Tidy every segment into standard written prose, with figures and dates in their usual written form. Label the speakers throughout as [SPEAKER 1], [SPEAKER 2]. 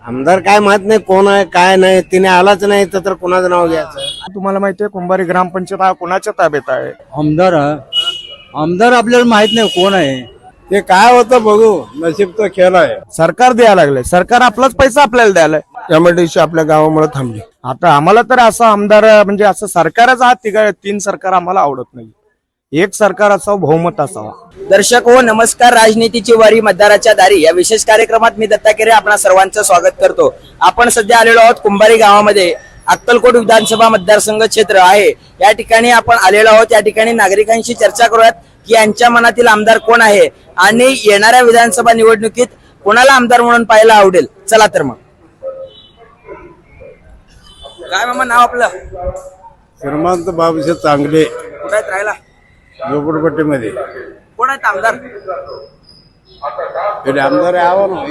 [SPEAKER 1] आमदार काय माहित नाही कोण आहे काय नाही, तिने आलाच नाही तर कोणाचं नाव घ्यायचं.
[SPEAKER 2] तुम्हाला माहितीये कुंभारी ग्रामपंचायत हा कोणाच्या ताब्यात आहे?
[SPEAKER 3] आमदार आमदार आपल्याला माहित नाही कोण आहे.
[SPEAKER 1] ते काय होतं बघू, नशीब तो खेळ आहे.
[SPEAKER 2] सरकार द्यायला लागले, सरकार आपलाच पैसा आपल्याला द्यायला.
[SPEAKER 1] एमआयडीसी आपल्या गावामुळे थांबली.
[SPEAKER 2] आता आम्हाला तर असं आमदार म्हणजे असं सरकारच हा तीन सरकार आम्हाला आवडत नाही. एक सरकार असावं, बहुमत असावं.
[SPEAKER 4] दर्शक हो नमस्कार. राजनीतीची वारी मतदाराच्या दारी या विशेष कार्यक्रमात मी दत्ता केरे आपणा सर्वांचं स्वागत करतो. आपण सध्या आलेलो आहोत कुंभारी गावामध्ये. अक्कलकोट विधानसभा मतदारसंघ क्षेत्र आहे. या ठिकाणी आपण आलेलो आहोत. या ठिकाणी नागरिकांशी चर्चा करूयात की यांच्या मनातील आमदार कोण आहे आणि येणाऱ्या विधानसभा निवडणुकीत कोणाला आमदार म्हणून पाहायला आवडेल. चला तर मग. काय मामा नाव आपलं?
[SPEAKER 1] श्रीमंत बाबूशे चांगले,
[SPEAKER 4] कुठे आहेत राहायला?
[SPEAKER 1] झोपडपट्टीमध्ये.
[SPEAKER 4] कोण आहेत आमदार?
[SPEAKER 1] आमदार यावं ना,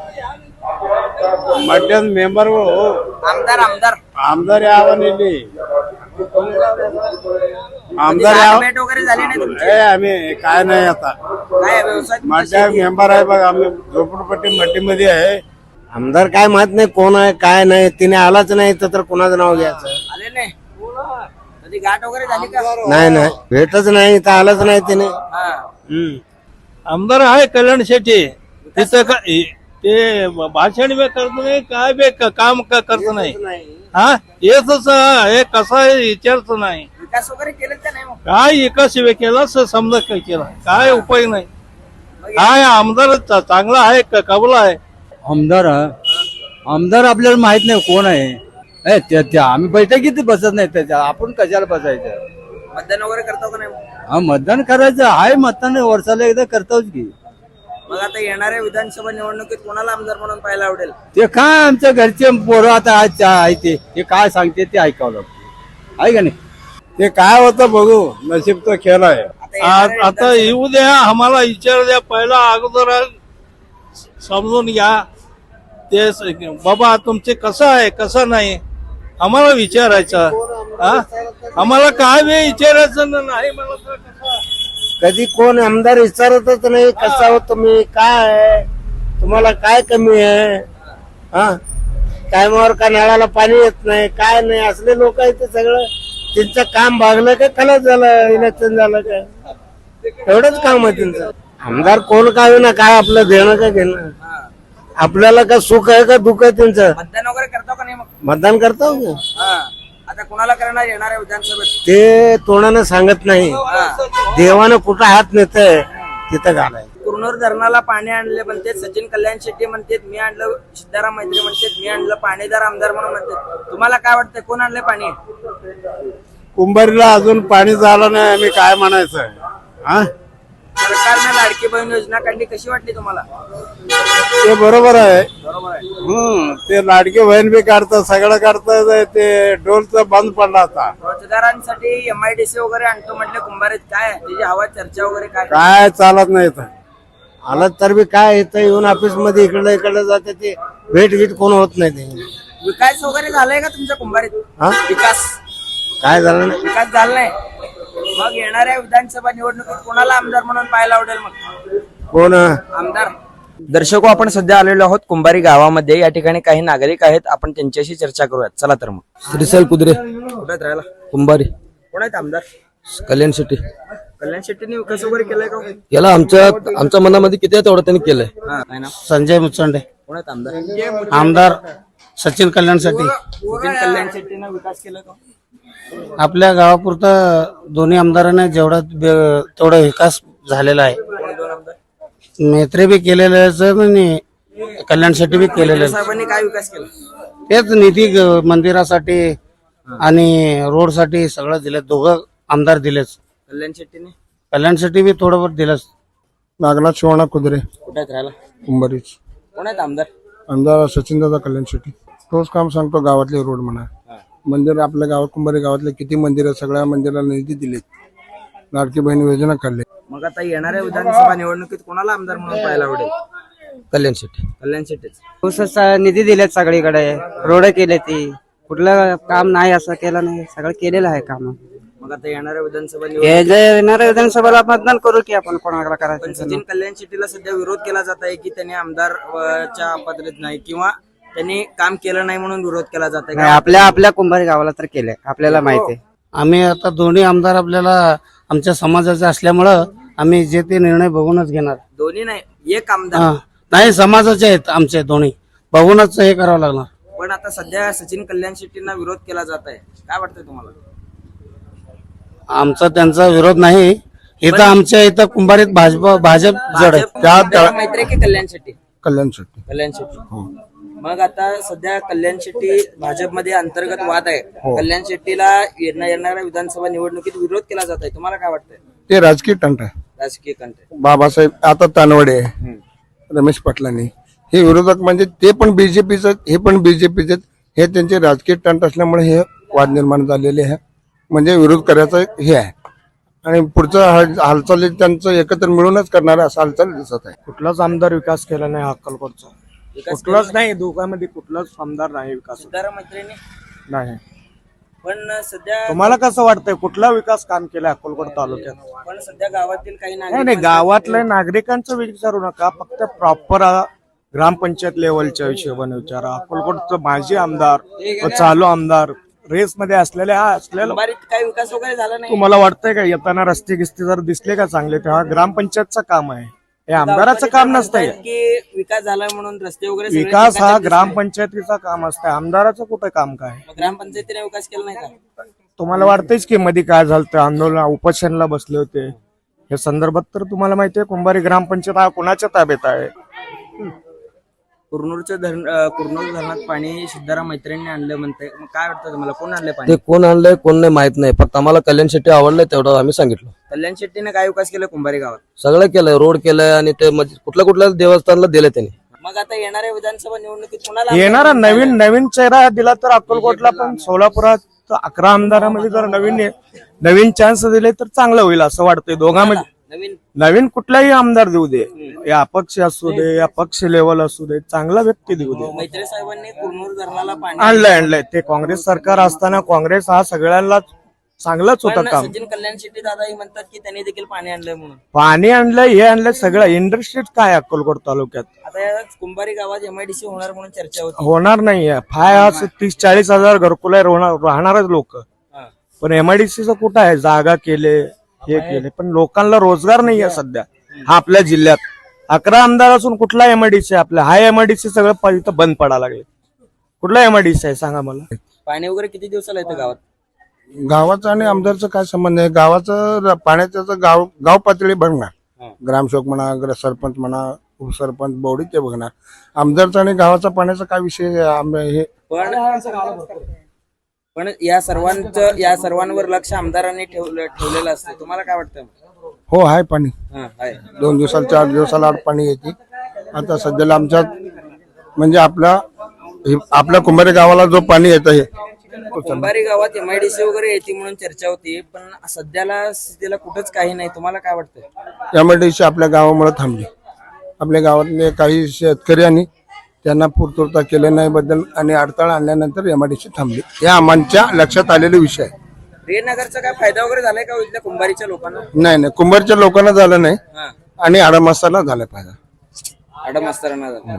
[SPEAKER 1] मध्यान मेंबर हो.
[SPEAKER 4] आमदार आमदार
[SPEAKER 1] आमदार यावं नेली. आमदार यावं.
[SPEAKER 4] भेट वगैरे झाली नाही तुमची?
[SPEAKER 1] आम्ही काय नाही आता
[SPEAKER 4] काय व्यवसाय?
[SPEAKER 1] माझ्या मेंबर आहे बघ, आम्ही झोपडपट्टी मट्टीमध्ये आहे. आमदार काय माहित नाही कोण आहे काय नाही, तिने आलाच नाही तर कोणाचं नाव घ्यायचं.
[SPEAKER 4] आले नाही? कधी गाठ वगैरे झाली का?
[SPEAKER 1] नाही नाही, भेटच नाही तर आलाच नाही तिने.
[SPEAKER 5] आमदार आहे कल्याण शेट्टी. तिथं ते भाषण बी करत नाही, काय बी काम करत नाही. हा येच हे कसं आहे विचारच नाही.
[SPEAKER 4] विकास वगैरे केलं का नाही? मग
[SPEAKER 5] काय एकाच वे केला समजा काय केला, काय उपाय नाही. काय आमदार चांगला आहे कबला आहे.
[SPEAKER 3] आमदार आमदार आपल्याला माहित नाही कोण आहे. आम्ही बैठकीत बसत नाही त्याच्या, आपण कशाला बसायचं.
[SPEAKER 4] मतदान वगैरे करतो का नाही?
[SPEAKER 3] हा मतदान करायचं आहे, मतदान वर्षाला एकदा करतोच की.
[SPEAKER 4] मग आता येणाऱ्या विधानसभा निवडणुकीत कोणाला आमदार म्हणून पाहायला आवडेल?
[SPEAKER 3] ते काय आमच्या घरचे पोरं आता आहे ते काय सांगते ते ऐकावं लागतं, आहे का नाही.
[SPEAKER 1] ते काय होतं बघू, नशीब तो खेळ आहे.
[SPEAKER 5] आता येऊ द्या, आम्हाला विचार द्या पहिला, अगोदर समजून घ्या ते बाबा तुमचे कसं आहे कसं नाही आम्हाला विचारायचं. आम्हाला काय बी विचारायचं नाही. मला तर कसं
[SPEAKER 1] कधी कोण आमदार विचारतच नाही कसा हो तुम्ही, काय आहे तुम्हाला, काय कमी आहे. हा टायमावर का नळाला पाणी येत नाही, काय नाही. असले लोक आहेत ते सगळं. त्यांचं काम भागलं का खलास झालं, इलेक्शन झालं का, एवढंच काम आहे त्यांचं. आमदार कोण काय ना, काय आपलं देणं का घेणं. आपल्याला का सुख आहे का दुःख आहे त्यांचं.
[SPEAKER 4] मतदान वगैरे करतो का नाही? मग
[SPEAKER 1] मतदान करतो
[SPEAKER 4] आता कोणाला करणार येणाऱ्या विधानसभेत?
[SPEAKER 1] ते तोंडानं सांगत नाही, देवानं कुठं हात नेतंय तिथं घालाय.
[SPEAKER 4] कुरनूर धरणाला पाणी आणले म्हणते सचिन कल्याण शेट्टी म्हणते, मी आणलं. सिद्धाराम मैत्री म्हणते मी आणलं. पाणीदार आमदार म्हणून म्हणते. तुम्हाला काय वाटतंय कोण आणलंय पाणी?
[SPEAKER 1] कुंभारीला अजून पाणी झालं नाही, आम्ही काय म्हणायचं. हा
[SPEAKER 4] सरकारने लाडकी बहीण योजना काढली, कशी वाटली तुम्हाला?
[SPEAKER 1] ते बरोबर आहे.
[SPEAKER 4] बरोबर आहे.
[SPEAKER 1] ते लाडके बहीण बी काढतात, सगळं काढतात. ते डोलचं बंद पडला होता.
[SPEAKER 4] रोजगारांसाठी एमआयडीसी वगैरे आणतो म्हटलं कुंभारीत, काय त्याची हवा चर्चा वगैरे
[SPEAKER 1] काय चालत नाही इथं. आलं तर बी काय इथं येऊन ऑफिस मध्ये इकडे जाते, ते भेट गीट कोण होत नाही. ते
[SPEAKER 4] विकास वगैरे झालाय का तुमच्या कुंभारीत?
[SPEAKER 1] हा
[SPEAKER 4] विकास
[SPEAKER 1] काय झालं नाही.
[SPEAKER 4] विकास झाला नाही. मग येणाऱ्या विधानसभा निवडणुकीत कोणाला आमदार म्हणून पाहायला आवडेल? मग
[SPEAKER 1] कोण
[SPEAKER 4] आमदार. दर्शको आपण सध्या आलेलो आहोत कुंभारी गावामध्ये. या ठिकाणी काही नागरिक आहेत, आपण त्यांच्याशी चर्चा करूयात. चला तर मग.
[SPEAKER 6] श्रीसल कुदरे,
[SPEAKER 4] कुठे राहायला?
[SPEAKER 6] कुंभारी.
[SPEAKER 4] कोण आहेत आमदार?
[SPEAKER 6] कल्याण शेट्टी.
[SPEAKER 4] कल्याण शेट्टीने विकास वगैरे केलाय का?
[SPEAKER 6] याला आमच्या मनामध्ये किती आहे तेवढं त्यांनी केलंय.
[SPEAKER 4] काय ना?
[SPEAKER 1] संजय मुचंडे.
[SPEAKER 4] कोण आहेत आमदार?
[SPEAKER 1] आमदार सचिन कल्याणसाठी.
[SPEAKER 4] सचिन कल्याण शेट्टीने विकास केला का?
[SPEAKER 1] आपल्या गावापुरतं दोन्ही आमदारांना तेवढा विकास झालेला आहे.
[SPEAKER 4] कोण दोन आमदार?
[SPEAKER 1] मेत्रे बी केलेले आणि कल्याण शेट्टी बी केलेले.
[SPEAKER 4] साहेबांनी काय विकास केला?
[SPEAKER 1] तेच निधी मंदिरासाठी आणि रोडसाठी सगळं दिले. दोघं आमदार दिलेच.
[SPEAKER 4] कल्याण शेट्टीने?
[SPEAKER 1] कल्याण शेट्टी बी थोडंफार दिलंच. नागनाथ शिवाणा कुदरे,
[SPEAKER 4] कुठे आहेत राहायला?
[SPEAKER 1] कुंभारीच.
[SPEAKER 4] कोण आहेत आमदार?
[SPEAKER 1] आमदार सचिन दादा कल्याण शेट्टी. तोच काम सांगतो, गावातले रोड म्हणा, मंदिर. आपल्या गावात कुंभारी गावातले किती मंदिर, सगळ्या मंदिराला निधी दिले, लाडकी बहीण योजना काढली.
[SPEAKER 4] मग आता येणाऱ्या विधानसभा निवडणुकीत कोणाला आमदार म्हणून पाहायला आवडेल?
[SPEAKER 6] कल्याण शेट्टी.
[SPEAKER 4] कल्याण शेट्टीच.
[SPEAKER 7] निधी दिलेत सगळीकडे, रोड केले, ती कुठलं काम नाही असं केलं नाही, सगळं केलेलं आहे काम.
[SPEAKER 4] मग आता येणाऱ्या विधानसभा
[SPEAKER 7] येणाऱ्या विधानसभेला मतदान करू की आपण कोणाला करायचं.
[SPEAKER 4] सचिन कल्याण शेट्टीला सध्या विरोध केला जात आहे की त्यांनी आमदारच्या पात्रतेत नाही किंवा त्यांनी काम केलं नाही म्हणून विरोध केला जात
[SPEAKER 7] नाही,
[SPEAKER 4] आहे.
[SPEAKER 7] आपल्या आपल्या कुंभारी गावाला तर केलंय, आपल्याला माहिती आहे.
[SPEAKER 1] आम्ही आता दोन्ही आमदार आपल्याला आमच्या समाजाचे असल्यामुळं आम्ही जे ते निर्णय बघूनच घेणार.
[SPEAKER 4] दोन्ही नाही, एक आमदार.
[SPEAKER 1] हा. नाही, समाजाचे आहेत आमचे दोन्ही, बघूनच हे करावं लागणार.
[SPEAKER 4] पण आता सध्या सचिन कल्याण शेट्टींना विरोध केला जात आहे, काय वाटतंय तुम्हाला?
[SPEAKER 1] आमचा त्यांचा विरोध नाही. इथं आमच्या इथं कुंभारीत भाजप जड आहे.
[SPEAKER 4] भाजप मैत्री की कल्याण शेट्टी?
[SPEAKER 6] कल्याण शेट्टी.
[SPEAKER 4] कल्याण शेट्टी. मग आता सध्या कल्याण शेट्टी भाजपमध्ये अंतर्गत वाद आहे. कल्याण शेट्टीला येणाऱ्या विधानसभा निवडणुकीत विरोध केला जात आहे, तुम्हाला काय वाटतंय?
[SPEAKER 6] ते राजकीय तंट आहे.
[SPEAKER 4] राजकीय कंटे.
[SPEAKER 6] बाबासाहेब आता तानवडे, रमेश पाटलांनी हे विरोधक म्हणजे ते पण बीजेपीच, हे पण बीजेपीच, हे त्यांचे राजकीय तंट असल्यामुळे हे वाद निर्माण झालेले आहे. म्हणजे विरोध करायचं हे आहे आणि पुढचं हालचाली त्यांचं एकत्र मिळूनच करणार असं हालचाल दिसत आहे.
[SPEAKER 2] कुठलाच आमदार विकास केला नाही अक्कलकोटचा, कुठलाच नाही. दोघांमध्ये कुठलाच आमदार नाही विकास
[SPEAKER 4] सिद्धाराम मैत्रिणी.
[SPEAKER 2] नाही.
[SPEAKER 4] पण सध्या
[SPEAKER 2] तुम्हाला कसं वाटतंय कुठला विकास काम केलाय अक्कलकोट तालुक्यात?
[SPEAKER 4] पण सध्या गावातील काही
[SPEAKER 2] नाही
[SPEAKER 4] नागरिक
[SPEAKER 2] नाही, गावातल्या नागरिकांचं विचारू नका, फक्त प्रॉपर ग्रामपंचायत लेवलच्या हिशोबाने विचारा. अक्कलकोटचं माजी आमदार व चालू आमदार रेस मध्ये असलेले असलेलं
[SPEAKER 4] कुंभारीत काही विकास वगैरे झाला नाही.
[SPEAKER 2] तुम्हाला वाटतंय का येताना रस्ते गिस्ते जर दिसले का चांगले, तेव्हा ग्रामपंचायतचं काम आहे, हे आमदाराचं काम नसतंय.
[SPEAKER 4] की विकास झाला म्हणून रस्ते वगैरे सगळे
[SPEAKER 2] विकास हा
[SPEAKER 4] ठिकाणी दिसले.
[SPEAKER 2] ग्रामपंचायतीचा काम असतंय, आमदाराचं कुठं काम काय?
[SPEAKER 4] मग ग्रामपंचायतीने विकास केला नाही का?
[SPEAKER 2] तुम्हाला वाटतंयच की मध्ये काय झालं, आंदोलन उपोषणला बसले होते, या संदर्भात तर तुम्हाला माहितीये कुंभारी ग्रामपंचायत हा कोणाच्या ताब्यात आहे?
[SPEAKER 4] कुरनूर धरणात पाणी सिद्धाराम मैत्रिणी आणलं म्हणते, मग काय वाटतं तुम्हाला, कोण आणलं पाणी?
[SPEAKER 6] ते कोण आणलंय कोण नाही माहित नाही, फक्त आम्हाला कल्याण शेट्टी आवडलंय तेवढं आम्ही सांगितलं.
[SPEAKER 4] कल्याण शेट्टीने काय विकास केला कुंभारी गावात?
[SPEAKER 6] सगळं केलंय, रोड केलंय आणि ते कुठल्या देवस्थानला दिले त्यांनी.
[SPEAKER 4] मग आता येणाऱ्या विधानसभा निवडणुकीत कोणाला
[SPEAKER 2] येणारा नवीन चेहरा दिला तर अक्कलकोटला पण सोलापुरात 11 आमदारांमध्ये जर नवीन चान्स दिले तर चांगलं होईल असं वाटतंय. दोघांमध्ये नवीन कुठलाही आमदार देऊ दे, या अपक्ष असू दे या पक्ष लेवल असू दे, चांगला व्यक्ती देऊ दे.
[SPEAKER 4] मैत्री साहेबांनी कुरनूर धरणाला पाणी
[SPEAKER 2] आणलंय ते काँग्रेस सरकार असताना काँग्रेस हा सगळ्यांना चांगलंच होतं
[SPEAKER 4] पण
[SPEAKER 2] काम.
[SPEAKER 4] सचिन कल्याण शेट्टी दादाही म्हणतात की त्यांनी देखील पाणी आणलंय म्हणून.
[SPEAKER 2] पाणी आणलंय, हे आणलंय, सगळं इंडस्ट्रीज काय अक्कलकोट तालुक्यात
[SPEAKER 4] आता या कुंभारी गावात एमआयडीसी होणार म्हणून चर्चा होती.
[SPEAKER 2] होणार नाहीये. 30-40 हजार घरकुल राहणारच लोक, पण एमआयडीसीचं कुठं आहे? जागा केले, हे केले, पण लोकांना रोजगार नाहीये सध्या. हा आपल्या जिल्ह्यात 11 आमदार असून कुठला एमआयडीसी आपल्या? हा एमआयडीसी सगळं इथं बंद पडायला लागले. कुठला एमआयडीसी आहे सांगा मला?
[SPEAKER 4] पाणी वगैरे किती दिवसाला येतं गावात?
[SPEAKER 6] गावाचा आणि आमदारचा काय संबंध आहे? गावाचं पाण्याचं गाव पातळी बघणार, ग्रामसेवक म्हणा, सरपंच म्हणा, उपसरपंच, बौडी ते बघणार. आमदारचा आणि गावाचा पाण्याचा काय विषय हे?
[SPEAKER 4] पण या सर्वांवर लक्ष आमदारांनी ठेवलेलं असतं, तुम्हाला काय वाटतं?
[SPEAKER 6] हो, आहे पाणी.
[SPEAKER 4] आहे.
[SPEAKER 6] 2 दिवसाला 4 दिवसाला आड पाणी येते. आता सध्याला आमच्यात म्हणजे आपल्या कुंभारी गावाला जो पाणी येतं हे
[SPEAKER 4] कुंभारी गावात एमआयडीसी वगैरे येते म्हणून चर्चा होती, पण सध्याला स्थितीला कुठंच काही नाही, तुम्हाला काय वाटतं?
[SPEAKER 6] एमआयडीसी आपल्या गावामुळे थांबली. आपल्या गावातले काही शेतकऱ्यांनी त्यांना पूर्तता केलं नाही बद्दल आणि अडथळा आणल्यानंतर एमआयडीसी थांबली. हे आमच्या लक्षात आलेले विषय आहे.
[SPEAKER 4] रेनगरचा काय फायदा वगैरे झालाय का इथल्या कुंभारीच्या लोकांना?
[SPEAKER 6] नाही, कुंभारच्या लोकांना झालं नाही आणि आडमासाला झाला फायदा.
[SPEAKER 4] आडमास्तरांना झाला.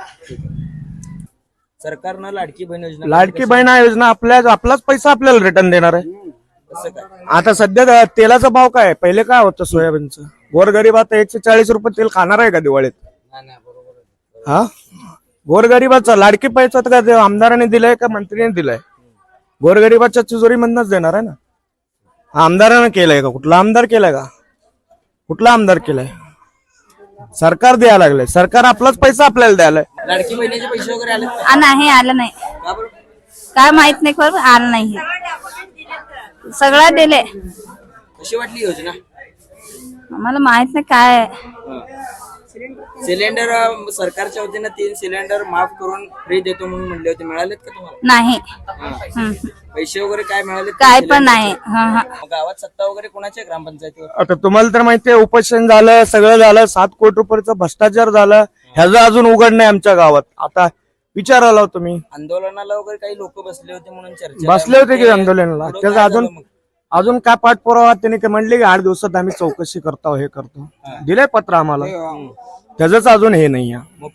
[SPEAKER 4] सरकारनं लाडकी बहीण
[SPEAKER 2] योजना आपलाच पैसा आपल्याला रिटर्न देणार आहे.
[SPEAKER 4] कसं काय?
[SPEAKER 2] आता सध्या तेलाचा भाव काय आहे? पहिले काय होतं सोयाबीनचं? गोरगरीबात 140 रुपये तेल खाणार आहे का दिवाळीत? हा, गोरगरिबाचा लाडकी पैसा तर काय आमदारांनी दिलाय का मंत्रीने दिलाय? गोरगरिबाच्या तिजोरी मधनच देणार आहे ना. आमदारानं केलंय का? कुठला आमदार केलाय का? कुठला आमदार केलाय? सरकार द्यायला लागलंय, सरकार आपलाच पैसा आपल्याला द्यायलाय.
[SPEAKER 4] लाडकी बहिणीचे पैसे वगैरे आले
[SPEAKER 8] नाही, आलं नाही. काय माहित नाही, खरं आलं नाही. सगळं दिले.
[SPEAKER 4] कशी वाटली योजना?
[SPEAKER 8] आम्हाला माहित नाही काय.
[SPEAKER 4] सिलेंडर सरकारच्या वतीनं 3 सिलेंडर माफ करून फ्री देतो म्हणून म्हणले होते, मिळालेत का तुम्हाला?
[SPEAKER 8] नाही.
[SPEAKER 4] पैसे वगैरे काय मिळाले?
[SPEAKER 8] काय पण नाही.
[SPEAKER 4] गावात सत्ता वगैरे कोणाच्या ग्रामपंचायतीवर?
[SPEAKER 2] आता तुम्हाला तर माहितीये उपोषण झालं, सगळं झालं, 7 कोटी रुपयाचा भ्रष्टाचार झाला, ह्याचं अजून उघड नाही आमच्या गावात. आता विचारायला तुम्ही
[SPEAKER 4] आंदोलनाला वगैरे काही लोक बसले होते म्हणून चर्चा
[SPEAKER 2] बसले होते की आंदोलनाला? त्याचं अजून काय पाठपुरावा त्यांनी काय म्हणले की 8 दिवसात आम्ही चौकशी करतो, हे करतो. दिलंय पत्र आम्हाला, त्याच अजून हे नाही.
[SPEAKER 4] मग पुढे कोण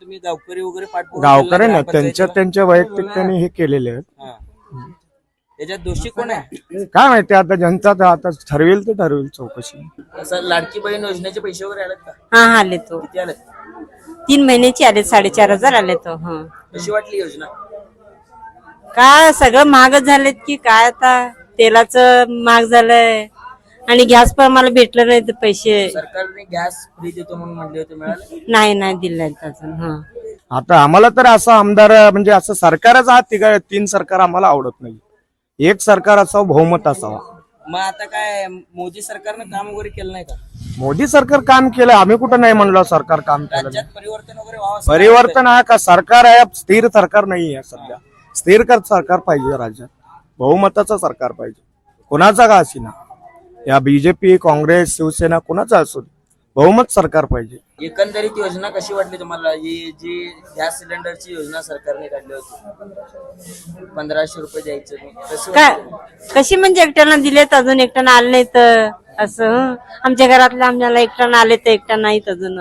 [SPEAKER 4] तुम्ही गावकरी वगैरे पाठपुरावा
[SPEAKER 2] गावकरी
[SPEAKER 4] केला
[SPEAKER 2] ना
[SPEAKER 4] ग्रामपंचायतीला?
[SPEAKER 2] त्यांच्या वैयक्तिक त्यांनी हे केलेले आहेत.
[SPEAKER 4] हा. त्याच्यात दोषी कोण आहे?
[SPEAKER 2] काय माहिती आता जनता आता ठरवेल ते ठरवेल चौकशी.
[SPEAKER 4] असं लाडकी बहीण योजनेचे पैसे वगैरे आलेत का?
[SPEAKER 9] हा आले तो
[SPEAKER 4] किती आलेत?
[SPEAKER 9] 3 महिन्याची आले 4,500 आले तो. हा
[SPEAKER 4] कशी वाटली योजना?
[SPEAKER 9] काय सगळं महागच झालेत की काय, आता तेलाचं महाग झालंय आणि गॅस पण मला भेटलं नाही तर पैसे
[SPEAKER 4] सरकारने गॅस फ्री देतो म्हणून म्हणले होते, मिळाले?
[SPEAKER 9] नाही दिले अजून. हा
[SPEAKER 2] आता आम्हाला तर असं आमदार म्हणजे असं सरकारच हा 3 सरकार आम्हाला आवडत नाही. एक सरकार असावं, बहुमत असावा.
[SPEAKER 4] मग आता काय मोदी सरकारनं काम वगैरे केलं नाही का?
[SPEAKER 2] मोदी सरकार काम केलं, आम्ही कुठं नाही म्हणलो सरकार काम केलं.
[SPEAKER 4] राज्यात परिवर्तन वगैरे व्हावं असं
[SPEAKER 2] परिवर्तन हा का सरकार आहे, स्थिर सरकार नाही आहे सध्या. स्थिर सरकार पाहिजे राज्यात, बहुमताचं सरकार पाहिजे. कोणाचा का असेना, या बीजेपी, काँग्रेस, शिवसेना कोणाचा असो, बहुमत सरकार पाहिजे.
[SPEAKER 4] एकंदरीत योजना कशी वाटली तुम्हाला? ही जी गॅस सिलेंडरची योजना सरकारने काढली होती, 1500 रुपये द्यायचे, कसं
[SPEAKER 9] काय
[SPEAKER 4] वाटलं?
[SPEAKER 9] कशी म्हणजे एकट्यानं दिलेत, अजून एकट्यानं आले नाही तर असं. आमच्या घरातल्या आम्हाला एकट्यानं आले तर एकट्या नाहीत अजून.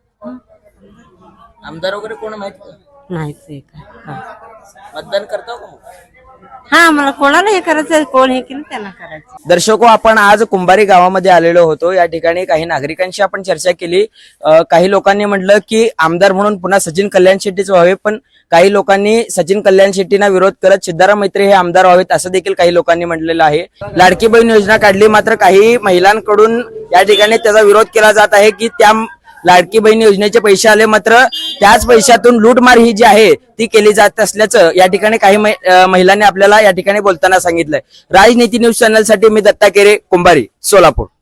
[SPEAKER 4] आमदार वगैरे कोण माहित का?
[SPEAKER 9] नाहीच
[SPEAKER 4] मतदान करता का मग?
[SPEAKER 9] हा मला कोणाला हे करायचं, कोण हे केलं त्यांना करायचं.
[SPEAKER 4] दर्शको, आपण आज कुंभारी गावामध्ये आलेलो होतो. या ठिकाणी काही नागरिकांशी आपण चर्चा केली. काही लोकांनी म्हटलं की आमदार म्हणून पुन्हा सचिन कल्याण शेट्टीच व्हावे, पण काही लोकांनी सचिन कल्याण शेट्टींना विरोध करत सिद्धाराम मैत्रे हे आमदार व्हावेत असं देखील काही लोकांनी म्हटलेलं आहे. लाडकी बहीण योजना काढली, मात्र काही महिलांकडून या ठिकाणी त्याचा विरोध केला जात आहे की त्या लाडकी बहीण योजनेचे पैसे आले, मात्र त्याच पैशातून लूटमार ही जी आहे ती केली जात असल्याचं या ठिकाणी काही महिलांनी आपल्याला या ठिकाणी बोलताना सांगितलंय. राजनीती न्यूज चॅनल साठी मी दत्ता केरे, कुंभारी, सोलापूर.